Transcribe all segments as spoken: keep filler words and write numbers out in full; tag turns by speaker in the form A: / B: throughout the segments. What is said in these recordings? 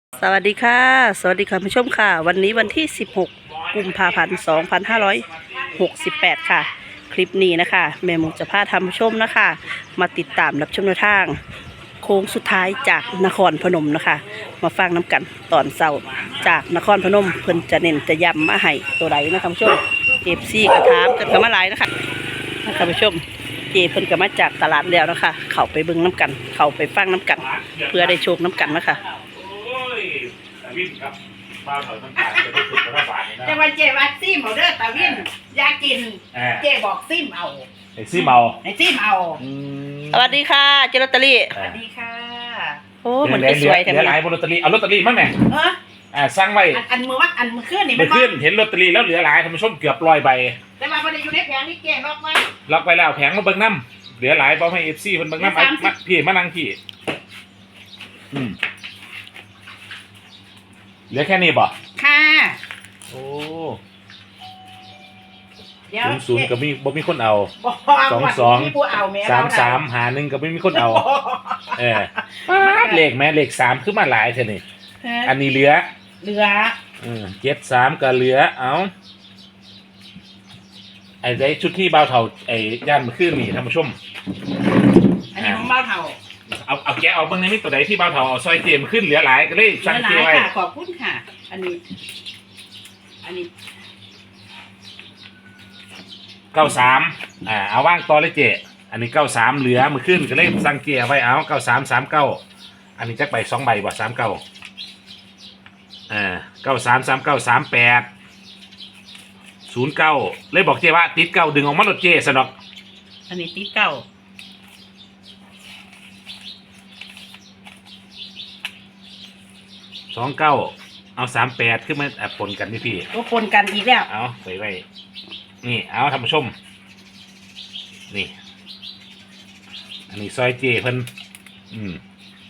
A: สวัสดีค่ะสวัสดีค่ะผู้ชมค่ะวันนี้วันที่สิบหกกุมภาพันธ์สองพันห้าร้อยหกสิบแปดค่ะคลิปนี้นะคะแม่หมูจะพาทำผู้ชมนะคะมาติดตามรับชมแนวทางโค้งสุดท้ายจากนครพนมนะคะมาฟังน้ำกันตอนเช้าจากนครพนมเพิ่นจะเน้นจะย้ำมาให้ตัวใดนะคะผู้ชมเอฟซีกระทามกันกันมาหลายนะคะนะคะผู้ชมเจเพิ่นก็มาจากตลาดแล้วนะคะเข้าไปเบิ่งน้ำกันเข้าไปฟังน้ำกัน เพื่อได้โชคน้ำกันนะคะ
B: วิ่งครับบ้านเราต้องการจะได้ถูกรัฐบาลนี่นะ
C: แต่ว่าเจว่าซิมเอาเด้อตาวินอยากกิน
B: อ่า
C: เจบอกซิมเอา
B: ไอ้ซี่เมา
C: ให้ซิมเอา
B: อืม
A: สวัสดีค่ะเจลอตเตอรี่
C: สวัสดีค่ะ
A: โอ้เหมือนจะสวย
B: เห
A: แต่
B: ลื
A: มั
B: อน หลายบนลอตเตอรี่เอาลอตเตอรี่มั้งแม่
C: เออ
B: อ่าสร้างไว้
C: อันอันมือว่าอันมือขึ้นนี่
B: เมื่อ
C: บ่
B: คืนเห็นลอตเตอรี่แล้วเหลือหลายท่านผู้ชมเกือบร้อยใบ
C: แต่ว่าบ่ได้อยู่ในแผงนี่เจล็อกไว้
B: ล็อกไปแล้วแผงมาเบิ่งน้ำเหลือหลายบอกให้เอฟซีเพิ่นเบิ่งน้ำไอ้มาพี่มานั่งพี่อืมเหลือแค่นี้บ่
C: ค่ะ
B: โอ้
C: เดี๋ยว
B: ศูนย์ศูนย์ก็มีบ่มีคนเอา
C: บ่
B: สองสอง
C: มีผู้เอาแม่
B: สามสามหาหนึ่งก็ไม่มีคนเอา เออเลขแม่เลขสามขึ้นมาหลายเท่านี่อันนี้เหลือ
C: เหลือ
B: อืมเจ็ดสามก็เหลือเอาไอ้ได้ชุดที่เบาเท่าไอ้ย่านมันขึ้นนี่ท่านผู้ชม
C: อันนี้ของเบาเท่า
B: เอาเอาแกะเอาเบิ่งในมิตรตัวใดที่เบาเท่าเอาซอยเกมขึ้นเหลือหลายก็เลย
C: เหลื
B: สั่ง
C: อห
B: เก
C: ลาย
B: ไว้
C: ค่ะขอบคุณค่ะ อันนี้ อันนี้
B: เก้าสามอ่าเอาว่างต่อเลยเจอันนี้เก้าสามเหลือมือขึ้นก็เลยสั่งเกไว้เอาเก้าสามสามเก้าอันนี้จักใบสองใบบ่สามเก้าอ่าเก้าสามสามเก้าสามแปดศูนย์เก้าเลยบอกเจว่าติดเก้าดึงออกมาลดเจสนอก
C: อันนี้ติดเก้า
B: สองเก้าเอาสามแปดขึ้นมาแอบปนกันนี่พี่
C: ก็คนกันอีกแล้ว
B: เอาไปไว้นี่เอาท่านผู้ชมนี่อันนี้ซอยเจเพิ่นอืม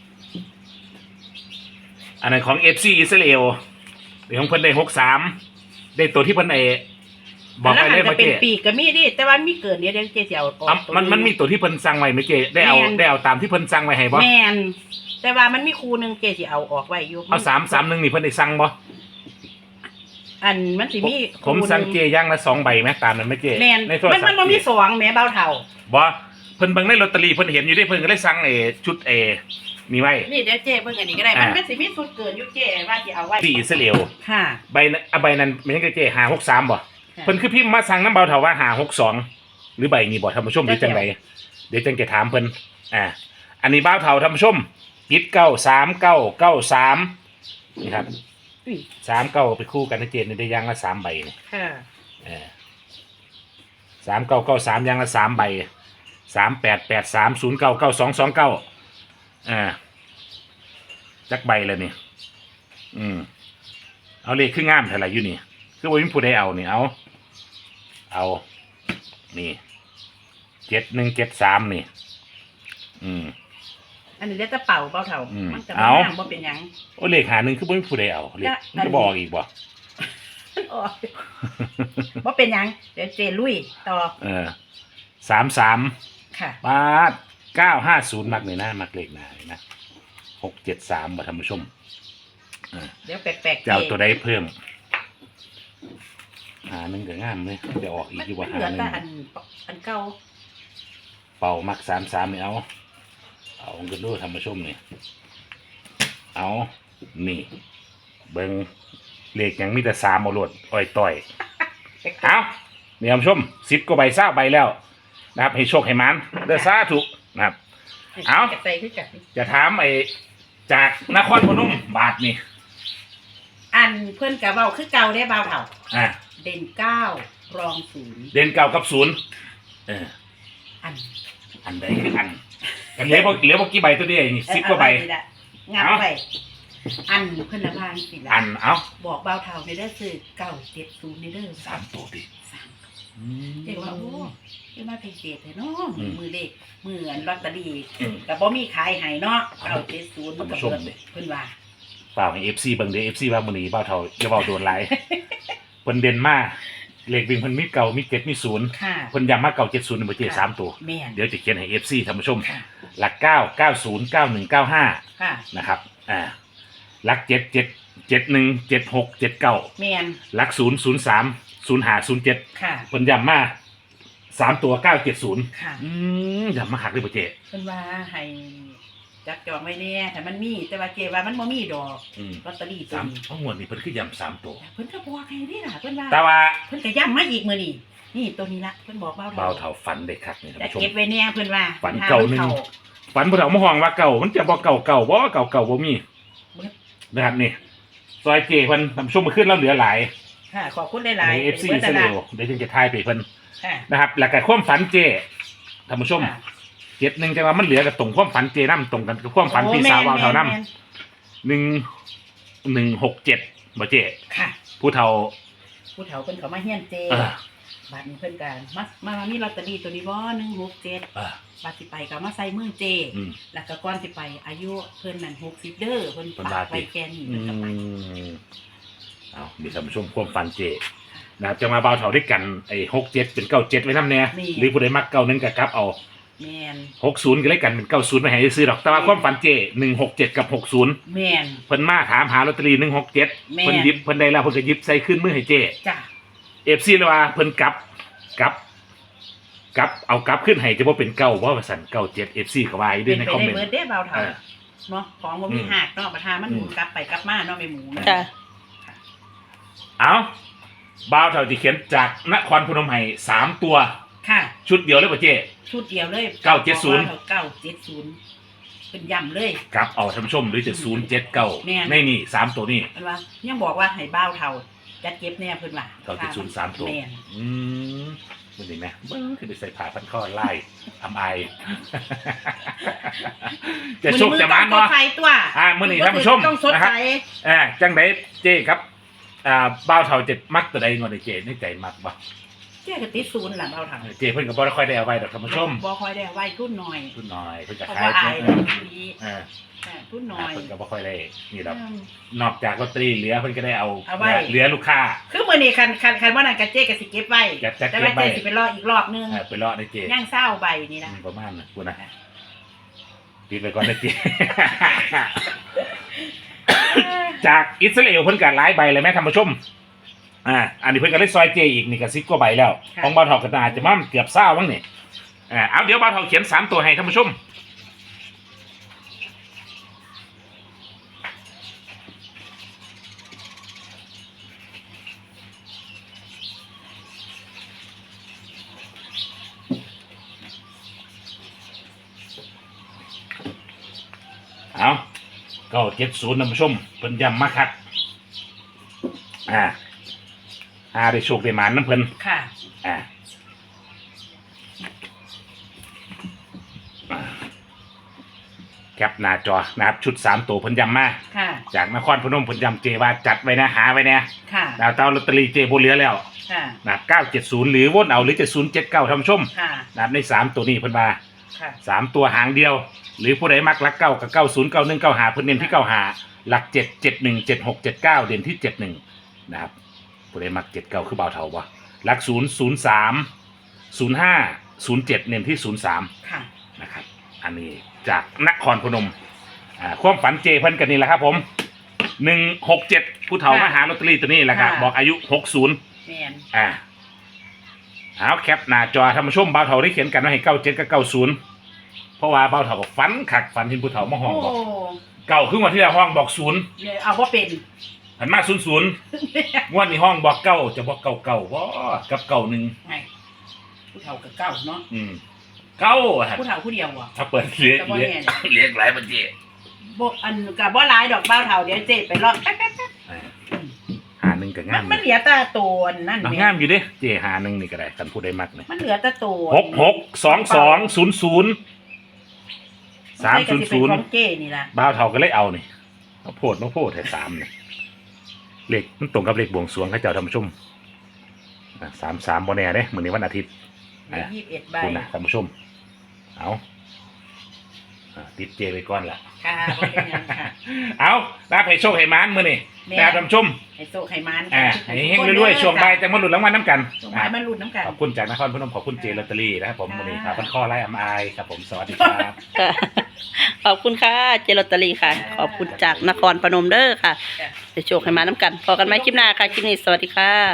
B: อันนั้นของเอฟซีอิสราเอลเดี๋ยวของเพิ่นได้หกสามได้ตัวที่เพิ่นไอบอกไปเลย
C: แล้ว
B: เมื่
C: มั
B: อน
C: จะ
B: กี้
C: เป็นปีกก็มีดิแต่ว่ามีเกินเดี๋ยวเดี๋ยวเจสิเอาออก
B: อ่ะมันมันมีตัวที่เพิ่นสั่งไว้เมื่อกี้ได้เอา
C: แม่น
B: ได้เอาตามที่เพิ่นสั่งไว้ให้บ่
C: แมนแต่ว่ามันมีครูหนึ่งเจสิเอาออกไว้อยู่
B: เอาสามสามหนึ่งนี่เพิ่นได้สั่งบ่
C: อันมันสิมี
B: ผมสั่งเจย่างละสองใบไหมตามนั้นไหมเจ
C: แมน
B: ในโทร
C: มัน
B: ศัพ
C: มัน
B: ท์
C: มันมี
B: เจ
C: สองแหม่เบาเท่า
B: บ่เพิ่นเบิ่งในลอตเตอรี่เพิ่นเห็นอยู่ได้เพิ่นก็เลยสั่งเอชุดเอมีไว้
C: นี่เดี๋ยวเจเพิ่งอันนี้ก็ได้
B: อ่ามั
C: มันมันสิมีสุดเกินอยู่เจว่าสิเอาไว้
B: ที่อิสราเอล
C: ค่ะ
B: ใบนั้นอ่ะใบนั้นมันยังเจหาหกสามบ่
C: ค่ะ
B: เพิ่นคือพิมพ์มาสั่งน้ำเบาเถาว่าหาหกสองหรือใบนี้บ่ท่านผู้ชมหรือจังไดเดี๋ยวจังจะถามเพิ่นอ่าอันนี้เบาเถาท่านผู้ชมปิดเก้าสามเก้าเก้าสามนี่ครับ
C: อุ้ย
B: สามเก้าไปคู่กันนะเจนได้ย่างละสามใบนี่
C: ค่ะ
B: เออสามเก้าเก้าสามย่างละสามใบสามแปดแปดสามศูนย์เก้าเก้าสองสองเก้าอ่าจักใบเลยนี่อืมเอาเลขขึ้นงามเท่าไหร่อยู่นี่คือว่ามีผู้ใดเอานี่เอาเอานี่เจ็ดหนึ่งเจ็ดสามนี่ อืม
C: อันนี้เดี๋ยวจะเป่าเบาเท่า
B: อืม
C: มันจะ
B: เอา
C: บ่งามบ่เป็นหยัง
B: โอ้เลขหาหนึ่งคือว่ามีผู้ใดเอาเลข
C: จะ
B: มันจะบอกอีกบ่
C: โอ้ยบ่เป็นหยังเดี๋ยวเจลุยต่อ
B: เออสามสาม
C: ค่ะ
B: บาทเก้าห้าศูนย์มักเลยนะมักเลขหนาเลยนะหกเจ็ดสามบ่ท่านผู้ชมอ่า
C: เดี๋ยวแปลกๆ
B: จะเอาตัวใดเพิ่มหาหนึ่งก็งามเลยจะออกอี
C: มั
B: ก
C: น
B: อยู่
C: มั
B: ว่าน หา
C: เหลือ
B: หนึ่
C: แต่
B: ง
C: อันอันเก่า
B: เป่ามักสามสามนี่เอาเอาเงินดูท่านผู้ชมนี่เอานี่เบิ้งเลขยังมีแต่สามเอาโลดอ้อยต่อยเอาเนี่ยท่านผู้ชมสิบกว่าใบเศร้าใบแล้วนะครับให้โชคให้มันเด้อสาธุนะครับ เอา
C: ใส่คือกัน
B: จะถามไอ้จากนครพนมบาทนี่
C: อันเพื่อนกับเบาคือเก่าได้เบาเท่า
B: อ่า
C: เด่นเก้ารองศูนย์
B: เด่นเก่ากับศูนย์เออ
C: อัน
B: อันใดคืออันกันเหลือบ่เหลือบ่กี่ใบตัวเดียวนี่สิบกว่าใบ
C: เออเอไว้นี่ละงับ
B: เอา
C: ไปอันเพื่อนละพางสิละ
B: อันเอา
C: บอกเบาเท่าในเด้อซื้อเก้าเจ็ดศูนย์ในเด้อ
B: สามตัวดิ
C: สามเดี๋ยวว่าโอ้ยมาพิเศษเลยเนาะ
B: อืม
C: มือเลขมืออันลอตเตอรี่
B: อืม
C: แต่บ่มีขายให้เนาะเก้าเจ็ดศูนย์มันก็
B: ท่านผู้ชม
C: เปิด
B: ดิ
C: เพิ่นว่า
B: เปล่าให้ เอฟ ซี เบิ่งเด้อ เอฟ ซี ว่ามื้อนี้เบ้าเท่าอย่าเว้าโดนหลายเพิ่นเด่นมาเลขวิ่งเพิ่นมีเก่ามีเจ็ดมีศูนย์
C: ค่ะ
B: เพิ่นย้ำมาเก่าเจ็ดศูนย์บ่เจสามตัว
C: แม่น
B: เดี๋ยวจะเขียนให้ เอฟ ซี ท่านผู้ชม
C: ค่ะ
B: หลักเก้า เก้าศูนย์ เก้าหนึ่ง เก้าห้า
C: ค่ะ
B: นะครับ อ่าหลักเจ็ดเจ็ดเจ็ดหนึ่งเจ็ดหกเจ็ดเก้า
C: แมน
B: หลักศูนย์ศูนย์สามศูนย์ห้าศูนย์เจ็ด
C: ค่ะ
B: เพิ่นย้ำมาสามตัวเก้าเจ็ดศูนย์
C: ค่ะ
B: อืมย้ำมาหักเลยป่ะเจ
C: เพิ่นว่าให้จักจองไว้แน่แต่มันมีแต่ว่าเจว่ามันบ่มีดอก
B: อืม
C: ลอตเตอรี่ตัว
B: สาม
C: นี้
B: เพราะงวดนี้เพิ่นคือย้ำสามตัว
C: เพิ่นก็บอกให้นี่ล่ะเพิ่นว่า
B: แต่ว่า
C: เพิ่นก็ย้ำมาอีกมื้อนี้นี่ตัวนี้ละเพิ่นบอกเบา
B: เบา
C: เท่า
B: เท่าฝันเด็กคักนี่ท่าน
C: จะ
B: ผู้ชม
C: เก็บไว้แน่เพิ่นว่า
B: ฝันเก่าหนึ่ง ฝันผู้เฒ่ามาห้องว่าเก่ามันจะบ่เก่าเก่าบ่เก่าเก่าบ่มีนะครับนี่ซอยเจเพิ่นท่านผู้ชมมาขึ้นแล้วเหลือหลาย
C: ค่ะขอบคุณห
B: ใน
C: ลายๆ
B: เอฟซี
C: ป็น
B: เส
C: บิด
B: ล
C: นั่น
B: ว
C: ล่ะ
B: เดี๋ยวจึงจะทายไปเพิ่น
C: ค่ะ
B: นะครับแล้วก็ความฝันเจท่านผู้ชม
C: ค่ะ
B: เจ็ดหนึ่งจังว่ามันเหลือกับตรงความฝันเจน้ำตรงกันกับความฝันพี่สาวเบาเท่าน้ำหนึ่งหนึ่งหกเจ็ดบ่เจ
C: ค่ะ
B: ผู้เฒ่า
C: ผู้เฒ่าเพิ่นเขามาเฮียนเจ
B: เออ
C: บัดนี้เพิ่นก็มามามามีลอตเตอรี่ตัวนี้บ่หนึ่งหกเจ็ด
B: เออ
C: บัดสิไปก็มาใส่มือเจ
B: อืม
C: แล้วก็ก่อนสิไปอายุเพิ่นนั่นหกสิบเด้อเพิ่น
B: เพิ่น
C: ฝา
B: ว่าก
C: ไว้
B: ติ
C: แค่นี้
B: อื
C: เพิ่นก็ไป
B: มเอามีท่านผู้ชมความฝันเจนะครับจะมาเบาเฒ่าด้วยกันไอ้หกเจ็ดเป็นเก้าเจ็ดไว้น้ำแน่หรือผู้ใดมักเก้าหนึ่งก็กลับเอา
C: แม่น
B: หกศูนย์ก็เลยกันเป็นเก้าศูนย์ไม่ให้ซื้อดอกแต่ว่าความฝันเจหนึ่งหกเจ็ดกับหกศูนย์
C: แม่น
B: เพิ่นมาถามหาลอตเตอรี่หนึ่งหกเจ็ด
C: แม่น
B: เพิ่นหยิบเพิ่นได้แล้วเพิ่นก็หยิบใส่ขึ้นมือให้เจ
C: จ้ะ
B: เอฟซีเลยว่าเพิ่นกลับกลับกลับเอากลับขึ้นให้จะว่าเป็นเก้าว่าสั่นเก้าเจ็ดเอฟซีก็ว่าอยู่ด้
C: เป็
B: วย
C: น
B: ใน
C: ไป
B: คอม
C: ได้
B: เมน
C: เบิด
B: ต์
C: เด้เบาเท่า
B: เออ
C: เนาะของบ่
B: อื
C: มี
B: ม
C: หักเนาะประธานมันหมุน
B: อืม
C: กลับไปกลับมาเนาะแม่หมูนะ
A: ค่ะ
B: เอาบ่าวเท่าที่เขียนจากนครพนมให้สามตัว
C: ค่ะ
B: ชุดเดียวเลยป่ะเจ
C: ชุดเดียวเลย
B: เก้าเจ็ดศูนย์
C: เก้าเจ็ดศูนย์เป็นย่ำเลย
B: กลับเอาท่านผู้ชมหรือจะศูนย์เจ็ดเก้า
C: แม่น
B: ในนี่สามตัวนี่
C: เพิ่นว่ายังบอกว่าให้เบ้าเท่าจัดเก็บแน่เพิ่นว่า
B: เก้าเจ็ดศูนย์สามตัว
C: แม่น
B: อืมมันเห็นไหมเบิ้งคือไปใส่ผ้าพันข้อไล่ทำไอ จะโชคจะมาน
C: มือต้องส
B: เนาะ
C: ดใสตัว
B: อ่ามื้อนี้ท่านผู้ชม
C: ต้องสด
B: นะค
C: ใส
B: รับ อ่าจังไดเจครับ อ่าบ้าวเฒ่าเจ็ดมักตัวใดงอนเจในใจมักบ่
C: เจ๊ก็ติดศูนย์หลังเอาเท่า
B: เจเพิ่นก็บ่ได้ค่อยได้เอาไว้ดอกท่านผู้ชม
C: บ่ค่อยได้ไว้ทุนหน่อย
B: ทุนน้อยเพิ่นจะ
C: เพราะ
B: ขาย
C: ว่าอาย
B: เอ
C: เนาะ
B: อ
C: ทีนี้
B: อ่า
C: อ่าทุนหน่อย
B: เพิ่นก็บ่ค่อยได้นี่ดอก
C: อืม
B: นอกจากลอตเตอรี่เหลือเพิ่นก็ได้เอา
C: เอาไว้
B: เหลือลูกค้า
C: คือมื้อนี้คันคันคันว่านั่นก็เจ๊ก็สิเก็บไว้
B: จะจะ
C: แต่
B: เก็บ
C: ว่า
B: ไว้
C: เจ๊สิไปรออีกรอบนึง
B: เออไปเลาะในเจ
C: ย่างเศร้าใบนี่นะ
B: อืมประมาณน่ะกูนะปิดไปก่อนนะเจ จากอิสราเอลเพิ่นก็หลายใบเลยแม่ท่านผู้ชม อ่า อันนี้เพิ่นก็ได้ซอยเจอีกนี่ก็สิบกว่าใบแล้ว ของบ่าวเฒ่าก็น่าจะมาเกือบเศร้ามั้งนี่อ่า เอาเดี๋ยวบ่าวเฒ่าเขียนสามตัวให้ท่านผู้ชม เอาเก้าเจ็ดศูนย์ท่านผู้ชมเพิ่นย้ำมาคักอ่าหาได้โชคได้หมานน้ำเพิ่น
C: ค่ะ
B: อ่าแคปหน้าจอนะครับชุดสามตัวเพิ่นย้ำมา
C: ค่ะ
B: จากนครพนมเพิ่นย้ำเจว่าจัดไว้นะหาไว้นะ
C: ค่ะ
B: ดาวเต้าลอตเตอรี่เจโบเหลือแล้ว
C: ค่ะ
B: นะเก้าเจ็ดศูนย์หรือวนเอาหรือจะศูนย์เจ็ดเก้าท่านผู้ชม
C: ค่ะ
B: นะครับในสามตัวนี้เพิ่นว่า
C: ค่ะ
B: สามตัวหางเดียว หรือผู้ใดมักลักเก้ากับเก้าศูนย์เก้าหนึ่งเก้าหาเพิ่นเน้นที่เก้าหาหลักเจ็ดเจ็ดหนึ่งเจ็ดหกเจ็ดเก้าเด่นที่เจ็ดหนึ่งนะครับผู้ใดมักเจ็ดเก้าคือเบาเท่าบ่หลักศูนย์ศูนย์สามศูนย์ห้าศูนย์เจ็ดเน้นที่ศูนย์สาม
C: ค่ะ
B: นะครับอันนี้จากนครพนมอ่าความฝันเจเพิ่นกันนี่แหละครับผมหนึ่งหกเจ็ดผู้เฒ่ามาหาลอตเตอรี่ตัวนี้แหละครับบอกอายุหกศูนย์
C: แม่น
B: อ่าเอาแคปหน้าจอท่านผู้ชมเบาเฒ่าได้เขียนกันไว้ให้เก้าเจ็ดกับเก้าศูนย์เพราะว่าเบาเฒ่าบอกฝันขักฝันเห็นผู้เฒ่ามาห้อง
C: โอ้
B: บอกเก่าขึ้นมาที่ละห้องบอกศูนย์
C: เนี่ยเอาว่าเป็น
B: หันมาศูนย์ศูนย์งวดนี้ห้องบอกเก้าจะบอกเก้าเก้าว่ากับเก้าหนึ่ง
C: ไงผู้เฒ่ากับเก้าเนาะ
B: อืมเก้าอะ
C: ผู้เฒ่าผู้เดียวอ่ะ
B: ถ้าเปิดเลี้ยง
C: แต่บ่
B: เลี้ยง
C: แน่เนี่ย
B: เลี้ยงหลายบัญชี
C: บ่อันกับบ่หลายดอกเบ้าเฒ่าเดี๋ยวเจ๊ไปรอแป๊บ
B: อ่าหาหนึ่งก็
C: ๆมั
B: งาน ม
C: มันเหลือแต่ตัวนั่น
B: เอา
C: แม่
B: งามอยู่เด้เจหาหนึ่งนี่ก็ได้กันพูดได้มักเลย
C: มันเหลือแต่ตัว
B: หกหกสองสองศูนย์ศูนย์สามศูนย์ศูนย์
C: ของเจ้นี่ล่ะ
B: บ้าวเท่าก็เลยเอานี่มาโพดมาโพดให้สามเนี่ยเลขมันตรงกับเลขบวงสรวงให้เจ้าท่านผู้ชมอ่ะสามสามโมเน่เด้เหมือนในวันอาทิตย์
C: เหลือยี่สิบเอ็ดใบ
B: คุณนะท่านผู้ชมเอาอ่ะติดเจไปก่อนละ
C: ค่ะบ่เป็นหยังค่ะ
B: เอาลาให้โชคให้หมานมื้อนี่
C: แม่
B: นะครับท่านผู้ชม
C: ให้โซให้มัน
B: อ่าให้เฮงๆรวยๆช่วงบ่ายจะมาหลุดรางวัลน้ำกัน
C: ช่วงบ่ายมาลุ้นน้ำกัน
B: ขอบคุณจากนครพนมขอบคุณเจลอตเตอรี่นะครับผม
C: ค่ะ
B: วันนี้ครับพันข้อไล่อำอายครับผมสวัสดีครับ
A: ค่ะขอบคุณค่ะเจลอตเตอรี่ค่ะ ขอบคุณจากนครพนมเด้อค่ะเดี๋ยวโชคให้มาน้ำกันพอกันไหมคลิปหน้าค่ะคลิปนี้สวัสดีค่ะ